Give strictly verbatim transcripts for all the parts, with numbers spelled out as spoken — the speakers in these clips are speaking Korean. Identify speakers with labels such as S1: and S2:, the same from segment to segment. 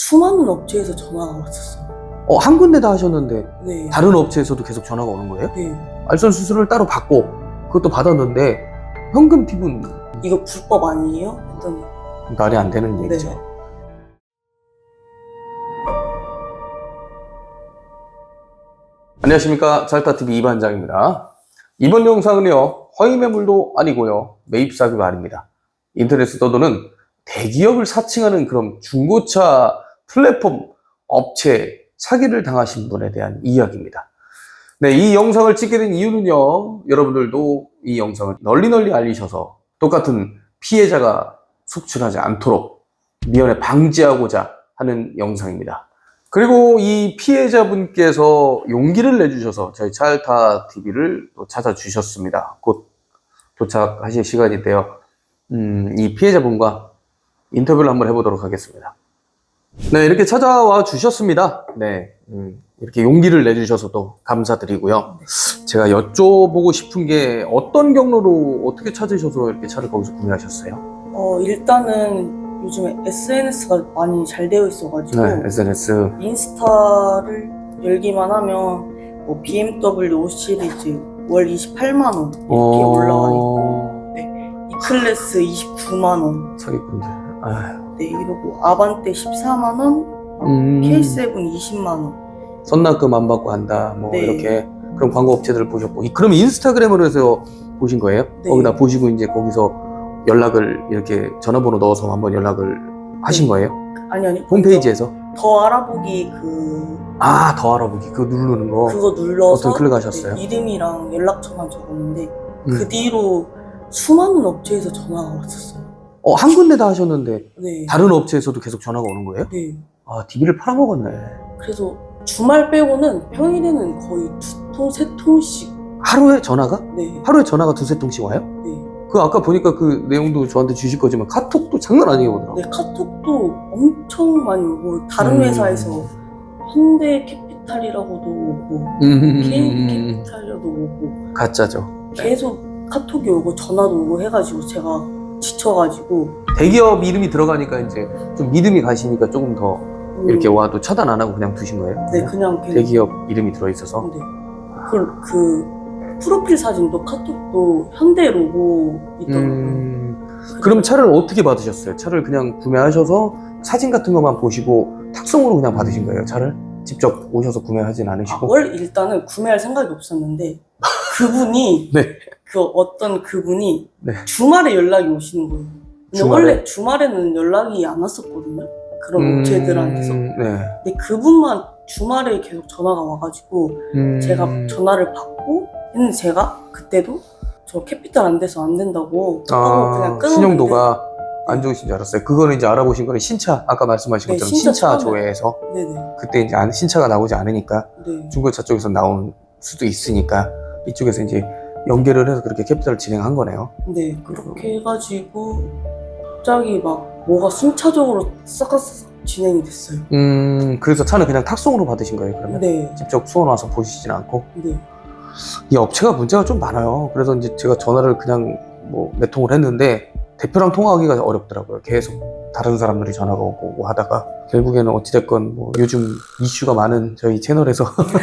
S1: 수많은 업체에서 전화가 왔었어요.
S2: 어, 한 군데 다 하셨는데
S1: 네.
S2: 다른 업체에서도 계속 전화가 오는 거예요?
S1: 네.
S2: 알선 수수료를 따로 받고 그것도 받았는데 현금 팁은
S1: 이거 불법 아니에요? 했더니
S2: 말이 안 되는 얘기죠.
S1: 네.
S2: 안녕하십니까, 잘타티비 이반장입니다. 이번 영상은요, 허위 매물도 아니고요, 매입 사기 말입니다. 인터넷에 떠도는 대기업을 사칭하는 그런 중고차 플랫폼 업체 사기를 당하신 분에 대한 이야기입니다. 네, 이 영상을 찍게 된 이유는요, 여러분들도 이 영상을 널리 널리 알리셔서 똑같은 피해자가 속출하지 않도록 미연에 방지하고자 하는 영상입니다. 그리고 이 피해자분께서 용기를 내주셔서 저희 찰타티비를 또 찾아주셨습니다. 곧 도착하실 시간인데요. 음, 이 피해자분과 인터뷰를 한번 해보도록 하겠습니다. 네, 이렇게 찾아와 주셨습니다. 네, 음, 이렇게 용기를 내주셔서 또 감사드리고요. 제가 여쭤보고 싶은 게 어떤 경로로 어떻게 찾으셔서 이렇게 차를 거기서 구매하셨어요?
S1: 어 일단은 요즘에 에스엔에스가 많이 잘 되어 있어가지고
S2: 네, 에스엔에스.
S1: 인스타를 열기만 하면 뭐 비엠더블유 오 시리즈 월 이십팔만 원 이렇게
S2: 어...
S1: 올라와 있고, 네, E클래스 이십구만 원,
S2: 사기꾼들. 아휴.
S1: 네, 이러고 아반떼 십사만 원,
S2: 음...
S1: 케이 세븐 이십만 원.
S2: 선납금 안 받고 한다, 뭐
S1: 네.
S2: 이렇게 그런 광고 업체들을 보셨고, 이- 그럼 인스타그램으로 해서 보신 거예요?
S1: 네.
S2: 거기다 보시고 이제 거기서 연락을 이렇게 전화번호 넣어서 한번 연락을 하신
S1: 네.
S2: 거예요?
S1: 아니 아니
S2: 홈페이지에서?
S1: 더 알아보기 그
S2: 아, 더 알아보기 그거 누르는 거.
S1: 그거 눌러서
S2: 어떤 클릭하셨어요?
S1: 네, 이름이랑 연락처만 적었는데
S2: 음.
S1: 그 뒤로 수많은 업체에서 전화가 왔었어요.
S2: 어, 한 군데 다 하셨는데
S1: 네.
S2: 다른 업체에서도 계속 전화가 오는 거예요?
S1: 네.
S2: 아, 디비를 팔아먹었네.
S1: 그래서 주말 빼고는 평일에는 거의 두 통, 세 통씩.
S2: 하루에 전화가?
S1: 네.
S2: 하루에 전화가 두세 통씩 와요?
S1: 네.
S2: 그 아까 보니까 그 내용도 저한테 주실 거지만 카톡도 장난 아니게 오더라고요.
S1: 네, 카톡도 엄청 많이 오고 다른
S2: 음.
S1: 회사에서 현대 캐피탈이라고도 오고
S2: 음...
S1: 케이비 캐피탈이라도 오고
S2: 가짜죠.
S1: 계속 카톡이 오고 전화도 오고 해가지고 제가 지쳐가지고
S2: 대기업 이름이 들어가니까 이제 좀 믿음이 가시니까 조금 더
S1: 음,
S2: 이렇게 와도 차단 안 하고 그냥 두신 거예요?
S1: 네, 그냥 걔-
S2: 대기업 이름이 들어있어서?
S1: 네. 그, 그 프로필 사진도 카톡도 현대 로고 있더라고요.
S2: 음... 그럼 차를 어떻게 받으셨어요? 차를 그냥 구매하셔서 사진 같은 것만 보시고 탁송으로 그냥 받으신 거예요, 차를? 직접 오셔서 구매하진
S1: 아,
S2: 않으시고?
S1: 원래 일단은 구매할 생각이 없었는데 그분이
S2: 네.
S1: 그 어떤 그분이
S2: 네.
S1: 주말에 연락이 오시는 거예요. 근데
S2: 주말에?
S1: 원래 주말에는 연락이 안 왔었거든요. 그런
S2: 음...
S1: 업체들한테서.
S2: 네.
S1: 근데 그분만 주말에 계속 전화가 와가지고
S2: 음...
S1: 제가 전화를 받고 했는데 제가 그때도 저 캐피탈 안 돼서 안 된다고 하고
S2: 아,
S1: 그냥 끊었는데
S2: 신용도가 안 좋으신 줄 알았어요. 그거는 이제 알아보신 거는 신차, 아까 말씀하신
S1: 네,
S2: 것처럼
S1: 신차
S2: 신차
S1: 처음에.
S2: 조회에서
S1: 네네.
S2: 그때 이제 안- 신차가 나오지 않으니까
S1: 네.
S2: 중고차 쪽에서 나올 수도 있으니까 이쪽에서 이제 연결을 해서 그렇게 캐피탈을 진행한 거네요.
S1: 네, 그렇게 해가지고 갑자기 막 뭐가 순차적으로 싹싹 진행이 됐어요.
S2: 음, 그래서 차는 그냥 탁송으로 받으신 거예요, 그러면?
S1: 네,
S2: 직접 수원 와서 보시진 않고?
S1: 네,
S2: 이 업체가 문제가 좀 많아요. 그래서 이제 제가 전화를 그냥 뭐 몇 통을 했는데 대표랑 통화하기가 어렵더라고요. 계속 다른 사람들이 전화가 오고 오고 하다가 결국에는 어찌됐건 뭐 요즘 이슈가 많은 저희 채널에서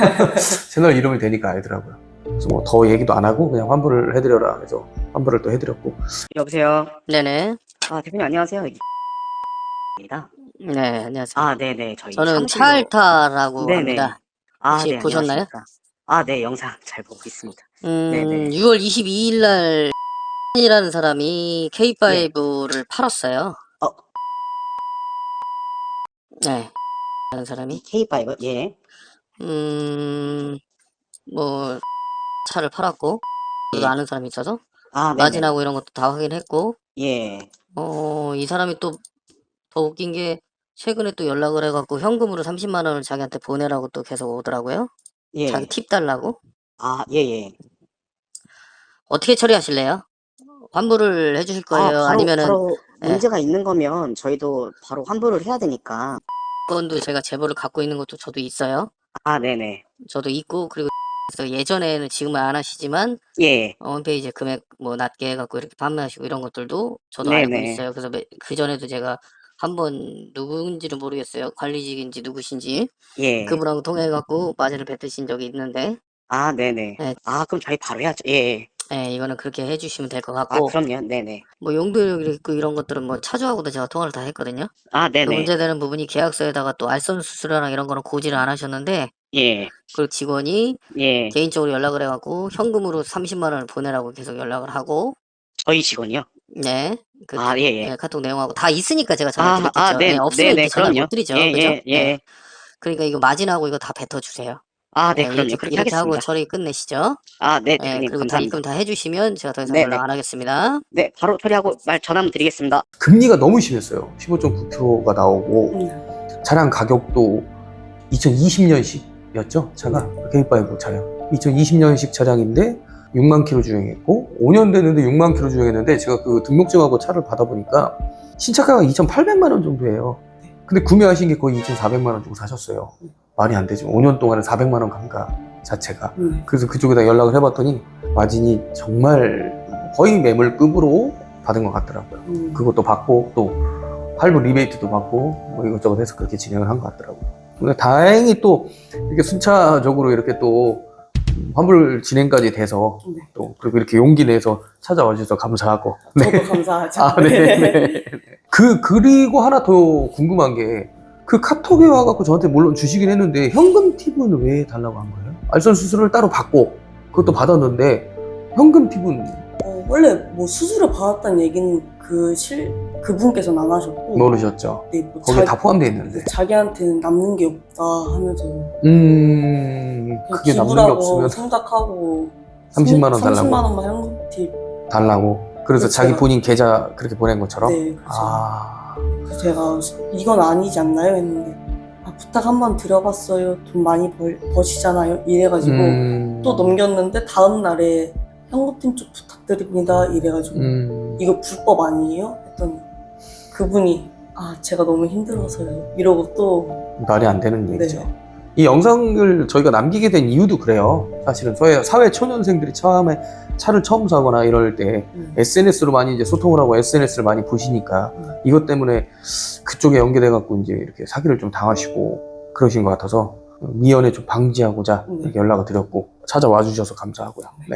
S2: 채널 이름이 되니까 알더라고요. 그래서 뭐 더 얘기도 안 하고 그냥 환불을 해드려라 해서 환불을 또 해드렸고.
S3: 여보세요.
S4: 네네.
S3: 아 대표님 안녕하세요. 입니다.
S4: 네, 안녕하세요.
S3: 아 네네 저희
S4: 저는
S3: 사무실로-
S4: 차알타라고
S3: 네네.
S4: 합니다.
S3: 아,
S4: 혹시
S3: 네,
S4: 보셨나요?
S3: 안녕하십니까. 아, 네, 영상 잘 보고 있습니다.
S4: 음,
S3: 네네.
S4: 유월 이십이일 날 이라는 사람이 케이 파이브를 팔았어요.
S3: 어,
S4: 네. 라는 사람이
S3: 케이 파이브 예.
S4: 음, 뭐 차를 팔았고 저도
S3: 예.
S4: 아는 사람이 있어서
S3: 아, 네네.
S4: 마진하고 이런 것도 다 확인했고
S3: 예.
S4: 어, 이 사람이 또 더 웃긴 게 최근에 또 연락을 해갖고 현금으로 삼십만 원을 자기한테 보내라고 또 계속 오더라고요.
S3: 예.
S4: 자기 팁 달라고.
S3: 아, 예, 예.
S4: 어떻게 처리하실래요? 환불을 해주실
S3: 아,
S4: 거예요?
S3: 바로
S4: 아니면은
S3: 바로
S4: 예.
S3: 문제가 있는 거면 저희도 바로 환불을 해야 되니까.
S4: 건도 제가 제보를 갖고 있는 것도 저도 있어요.
S3: 아, 네네.
S4: 저도 있고 그리고 그래서 예전에는 지금은 안 하시지만
S3: 예.
S4: 어, 홈페이지에 금액 뭐 낮게 해갖고 이렇게 판매하시고 이런 것들도 저도 알고
S3: 네네.
S4: 있어요. 그래서 그 전에도 제가 한번 누군지는 모르겠어요. 관리직인지 누구신지.
S3: 예.
S4: 그분하고 통해갖고 마진을 뱉으신 적이 있는데,
S3: 아, 네네.
S4: 네.
S3: 아, 그럼 저희 바로 해야죠. 예.
S4: 예, 이거는 그렇게 해주시면 될 것
S3: 아,
S4: 같고,
S3: 그럼요. 네네.
S4: 뭐 용도력 있고 이런 것들은 뭐 차주하고도 제가 통화를 다 했거든요.
S3: 아,
S4: 그
S3: 네네.
S4: 문제되는 부분이 계약서에다가 또 알선 수수료랑 이런 거는 고지를 안 하셨는데,
S3: 예.
S4: 그 직원이
S3: 예.
S4: 개인적으로 연락을 해갖고 현금으로 삼십만 원을 보내라고 계속 연락을 하고,
S3: 저희 직원이요?
S4: 네, 그
S3: 아, 예, 예.
S4: 예, 카톡 내용하고 다 있으니까 제가 전화
S3: 아, 아,
S4: 드렸겠죠. 예,
S3: 네,
S4: 없으면
S3: 네네.
S4: 이렇게 전화를
S3: 그럼요.
S4: 못 드리죠.
S3: 예,
S4: 그죠?
S3: 예,
S4: 예.
S3: 예.
S4: 그러니까 이거 마진하고 이거 다 뱉어주세요.
S3: 아, 네,
S4: 예,
S3: 그럼요.
S4: 이렇게,
S3: 그렇게
S4: 이렇게 하고
S3: 하겠습니다.
S4: 처리 끝내시죠.
S3: 아, 네,
S4: 예,
S3: 대표님.
S4: 그리고 다
S3: 감사합니다.
S4: 입금 다 해주시면 제가 더 이상
S3: 네네.
S4: 연락 안 하겠습니다.
S3: 네, 바로 처리하고 말 전화 한번 드리겠습니다.
S2: 금리가 너무 심했어요. 십오 점 구 퍼센트가 나오고
S1: 음.
S2: 차량 가격도 이천이십 년식이었죠. 차가 케이파이브 차량 이천이십 년식 차량인데 육만 킬로 주행했고 오 년 됐는데 육만 킬로 주행했는데 제가 그 등록증하고 차를 받아보니까 신차가가 이천팔백만 원 정도예요. 근데 구매하신 게 거의 이천사백만 원 주고 사셨어요. 말이 안 되죠. 오 년 동안에 사백만 원 감가 자체가.
S1: 음.
S2: 그래서 그쪽에다 연락을 해봤더니 마진이 정말 거의 매물급으로 받은 것 같더라고요.
S1: 음.
S2: 그것도 받고 또 할부 리베이트도 받고 뭐 이것저것 해서 그렇게 진행을 한 것 같더라고요. 근데 다행히 또 이렇게 순차적으로 이렇게 또 환불 진행까지 돼서
S1: 네.
S2: 또 그리고 이렇게 용기 내서 찾아와 주셔서 감사하고.
S1: 저도 감사하죠.
S2: 아, 네, 네. 그 그리고 하나 더 궁금한 게 그 카톡에 와갖고 저한테 물론 주시긴 했는데 현금 팁은 왜 달라고 한 거예요? 알선 수수료를 따로 받고 그것도 받았는데 현금 팁은
S1: 어, 원래 뭐 수수료 받았다는 얘기는 그 실 그분께서는 안 하셨고.
S2: 모르셨죠?
S1: 네, 뭐
S2: 거기에
S1: 자-
S2: 다 포함되어 있는데.
S1: 자기한테는 남는 게 없다 하면서
S2: 음,
S1: 그냥
S2: 그게 남는 게
S1: 기부라고
S2: 없으면
S1: 생각하고
S2: 삼십만 원 달라고?
S1: 삼십만 원만 현금 팁.
S2: 달라고. 그래서
S1: 그렇죠.
S2: 자기 본인 계좌 그렇게 보낸 것처럼.
S1: 네, 그렇죠.
S2: 아,
S1: 그래서 제가 이건 아니지 않나요? 했는데 아, 부탁 한번 드려봤어요. 돈 많이 벌, 버시잖아요. 이래가지고
S2: 음,
S1: 또 넘겼는데 다음 날에 현금팀 쪽 부탁드립니다. 이래가지고
S2: 음,
S1: 이거 불법 아니에요? 했더니 그분이 아 제가 너무 힘들어서요. 이러고 또
S2: 말이 안 되는 얘기죠.
S1: 네.
S2: 이 영상을 저희가 남기게 된 이유도 그래요. 사실은 저희 사회 초년생들이 처음에 차를 처음 사거나 이럴 때
S1: 음.
S2: 에스엔에스로 많이 이제 소통을 하고 에스엔에스를 많이 보시니까
S1: 음.
S2: 이것 때문에 그쪽에 연계돼 갖고 이제 이렇게 사기를 좀 당하시고 그러신 것 같아서 미연에 좀 방지하고자
S1: 네.
S2: 이렇게 연락을 드렸고 찾아와 주셔서 감사하고요. 네.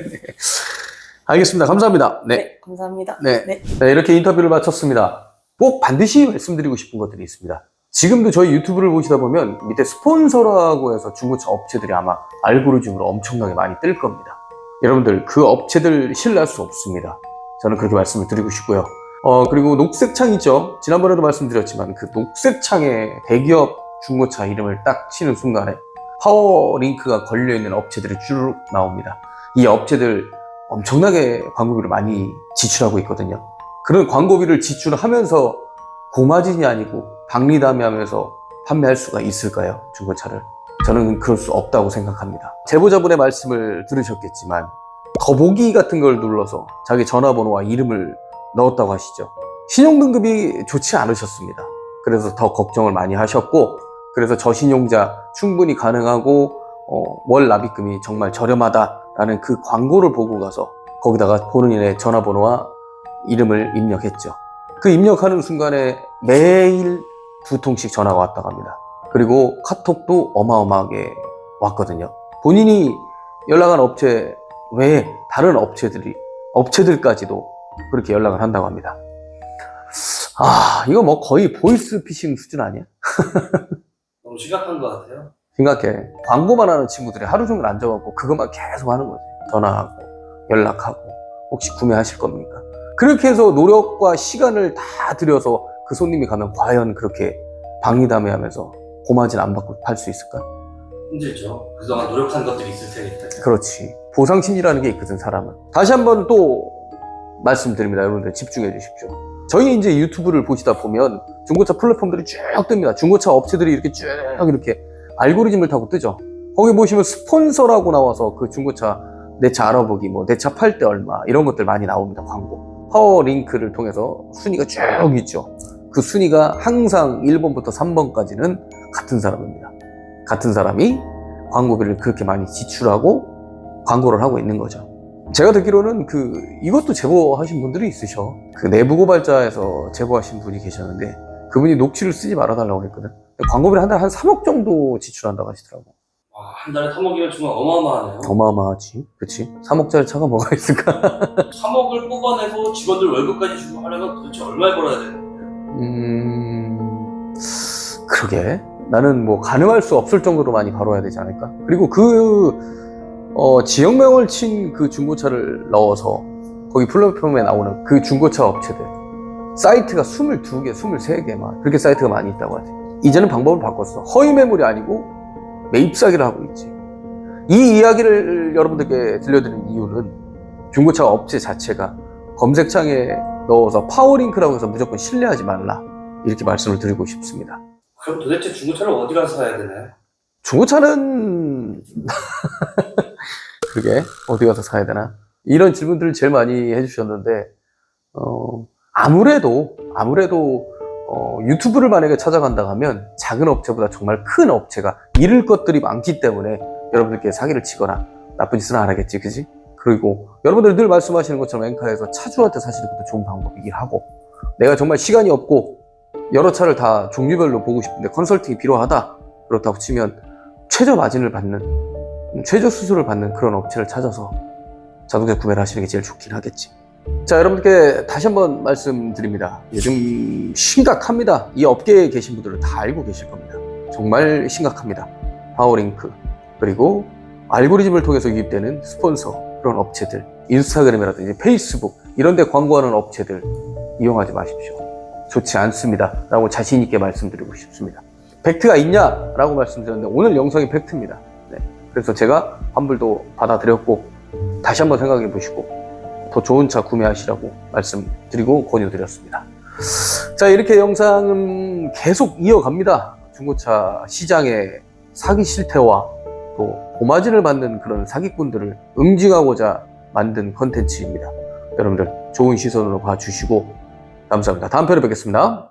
S2: 알겠습니다. 감사합니다.
S1: 네.
S2: 네.
S1: 감사합니다.
S2: 네.
S1: 네.
S2: 네, 이렇게 인터뷰를 마쳤습니다. 꼭 반드시 말씀드리고 싶은 것들이 있습니다. 지금도 저희 유튜브를 보시다 보면 밑에 스폰서라고 해서 중고차 업체들이 아마 알고리즘으로 엄청나게 많이 뜰 겁니다. 여러분들 그 업체들 신뢰할 수 없습니다. 저는 그렇게 말씀을 드리고 싶고요. 어, 그리고 녹색창 있죠? 지난번에도 말씀드렸지만 그 녹색창에 대기업 중고차 이름을 딱 치는 순간에 파워링크가 걸려있는 업체들이 쭉 나옵니다. 이 업체들 엄청나게 광고비를 많이 지출하고 있거든요. 그런 광고비를 지출하면서 고마진이 아니고 박리담회 하면서 판매할 수가 있을까요? 중고차를. 저는 그럴 수 없다고 생각합니다. 제보자분의 말씀을 들으셨겠지만 더보기 같은 걸 눌러서 자기 전화번호와 이름을 넣었다고 하시죠. 신용등급이 좋지 않으셨습니다. 그래서 더 걱정을 많이 하셨고 그래서 저신용자 충분히 가능하고 어, 월 납입금이 정말 저렴하다라는 그 광고를 보고 가서 거기다가 본인의 전화번호와 이름을 입력했죠. 그 입력하는 순간에 매일 두 통씩 전화가 왔다 갑니다. 그리고 카톡도 어마어마하게 왔거든요. 본인이 연락한 업체 외에 다른 업체들이, 업체들까지도 그렇게 연락을 한다고 합니다. 아, 이거 뭐 거의 보이스피싱 수준 아니야?
S5: 너무 심각한 것 같아요.
S2: 생각해. 광고만 하는 친구들이 하루 종일 앉아갖고 그것만 계속 하는 거지. 전화하고, 연락하고, 혹시 구매하실 겁니까? 그렇게 해서 노력과 시간을 다 들여서 그 손님이 가면 과연 그렇게 박리담회 하면서 고마진 안 받고 팔 수 있을까?
S5: 힘들죠. 그동안 노력한 것들이 있을 테니까.
S2: 그렇지. 보상심리라는 게 있거든, 사람은. 다시 한번 또 말씀드립니다. 여러분들 집중해 주십시오. 저희 이제 유튜브를 보시다 보면 중고차 플랫폼들이 쭉 뜹니다. 중고차 업체들이 이렇게 쭉 이렇게 알고리즘을 타고 뜨죠. 거기 보시면 스폰서라고 나와서 그 중고차 내 차 알아보기, 뭐 내 차 팔 때 얼마 이런 것들 많이 나옵니다. 광고. 파워링크를 통해서 순위가 쭉 있죠. 그 순위가 항상 일 번부터 삼 번까지는 같은 사람입니다. 같은 사람이 광고비를 그렇게 많이 지출하고 광고를 하고 있는 거죠. 제가 듣기로는 그 이것도 제보하신 분들이 있으셔. 그 내부 고발자에서 제보하신 분이 계셨는데 그분이 녹취를 쓰지 말아달라고 했거든. 광고비를 한 달에 한 삼억 정도 지출한다고 하시더라고.
S5: 와, 한 달에 삼억이면 정말 어마어마하네요.
S2: 어마어마하지. 그치? 삼억짜리 차가 뭐가 있을까?
S5: 삼억을 뽑아내고 직원들 월급까지 주고 하려면 도대체 얼마에 벌어야 되는 거예요?
S2: 음, 그러게. 나는 뭐 가늠할 수 없을 정도로 많이 벌어야 되지 않을까? 그리고 그, 어, 지역명을 친 그 중고차를 넣어서 거기 플랫폼에 나오는 그 중고차 업체들. 사이트가 스물두 개, 스물세 개 막 그렇게 사이트가 많이 있다고 하지. 이제는 방법을 바꿨어. 허위 매물이 아니고 매입 사기를 하고 있지. 이 이야기를 여러분들께 들려드리는 이유는 중고차 업체 자체가 검색창에 넣어서 파워링크라고 해서 무조건 신뢰하지 말라. 이렇게 말씀을 드리고 싶습니다.
S5: 그럼 도대체 중고차를 어디 가서 사야 되나요?
S2: 중고차는 그러게 어디 가서 사야 되나? 이런 질문들을 제일 많이 해주셨는데 어, 아무래도 아무래도 어, 유튜브를 만약에 찾아간다 하면 작은 업체보다 정말 큰 업체가 잃을 것들이 많기 때문에 여러분들께 사기를 치거나 나쁜 짓은 안 하겠지, 그지? 그리고 여러분들 늘 말씀하시는 것처럼 엔카에서 차주한테 사시는 것도 좋은 방법이긴 하고, 내가 정말 시간이 없고 여러 차를 다 종류별로 보고 싶은데 컨설팅이 필요하다, 그렇다고 치면 최저 마진을 받는, 최저 수수료를 받는 그런 업체를 찾아서 자동차 구매를 하시는 게 제일 좋긴 하겠지. 자, 여러분들께 다시 한번 말씀드립니다. 요즘 심각합니다. 이 업계에 계신 분들은 다 알고 계실 겁니다. 정말 심각합니다. 파워링크, 그리고 알고리즘을 통해서 유입되는 스폰서, 그런 업체들, 인스타그램이라든지 페이스북 이런 데 광고하는 업체들 이용하지 마십시오. 좋지 않습니다 라고 자신 있게 말씀드리고 싶습니다. 팩트가 있냐? 라고 말씀드렸는데 오늘 영상이 팩트입니다. 네. 그래서 제가 환불도 받아드렸고 다시 한번 생각해 보시고 더 좋은 차 구매하시라고 말씀드리고 권유드렸습니다. 자, 이렇게 영상은 계속 이어갑니다. 중고차 시장의 사기 실태와 또 고마진을 받는 그런 사기꾼들을 응징하고자 만든 컨텐츠입니다. 여러분들 좋은 시선으로 봐주시고 감사합니다. 다음 편에 뵙겠습니다.